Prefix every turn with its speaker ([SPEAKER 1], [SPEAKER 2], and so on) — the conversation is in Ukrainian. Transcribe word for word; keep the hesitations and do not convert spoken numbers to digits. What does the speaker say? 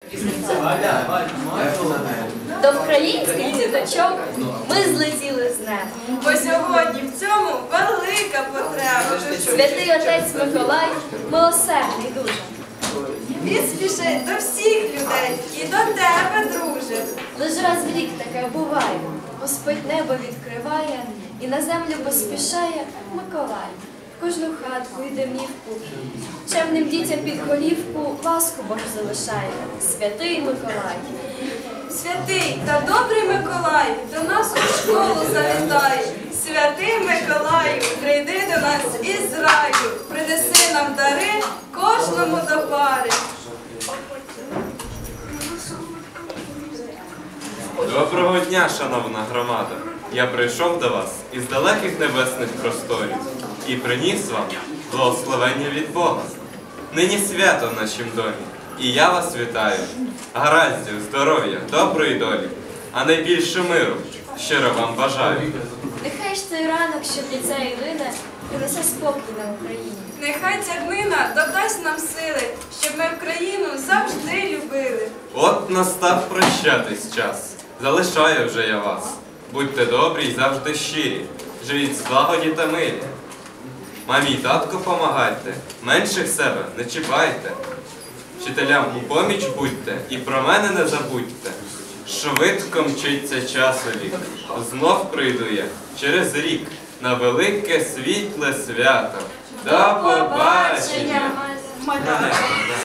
[SPEAKER 1] До українських діточок ми злетіли з неба.
[SPEAKER 2] Бо сьогодні в цьому велика потреба.
[SPEAKER 1] Святий отець Миколай милосердний дуже.
[SPEAKER 2] Він спішить до всіх людей і до тебе, друже.
[SPEAKER 1] Лиш раз в рік таке буває. Господь небо відкриває і на землю поспішає Миколай. В кожну хатку й домівку, чемним дітям під голівку ласку Бог залишає. Святий Миколай.
[SPEAKER 2] Святий та добрий Миколай до нас у школу завітай. Святий Миколаю, прийди до нас із раю, принеси нам дари кожному до пари.
[SPEAKER 3] Доброго дня, шановна громада! Я прийшов до вас із далеких небесних просторів і приніс вам благословення від Бога. Нині свято в нашім домі, і я вас вітаю. Гараздів, здоров'я, доброї долі, а найбільше миру щиро вам бажаю.
[SPEAKER 1] Нехай ж цей ранок, що в ліцеї лине, принесе спокій на Україні.
[SPEAKER 2] Нехай ця днина додасть нам сили, щоб ми Україну завжди любили.
[SPEAKER 3] От настав прощатись час, залишаю вже я вас. Будьте добрі й завжди щирі, живіть в злагоді та мирі. Мамі й татку помагайте, менших себе не чіпайте. Вчителям у поміч будьте і про мене не забудьте. Швидко мчиться часовік, знов прийду я через рік на велике світле свято. До побачення!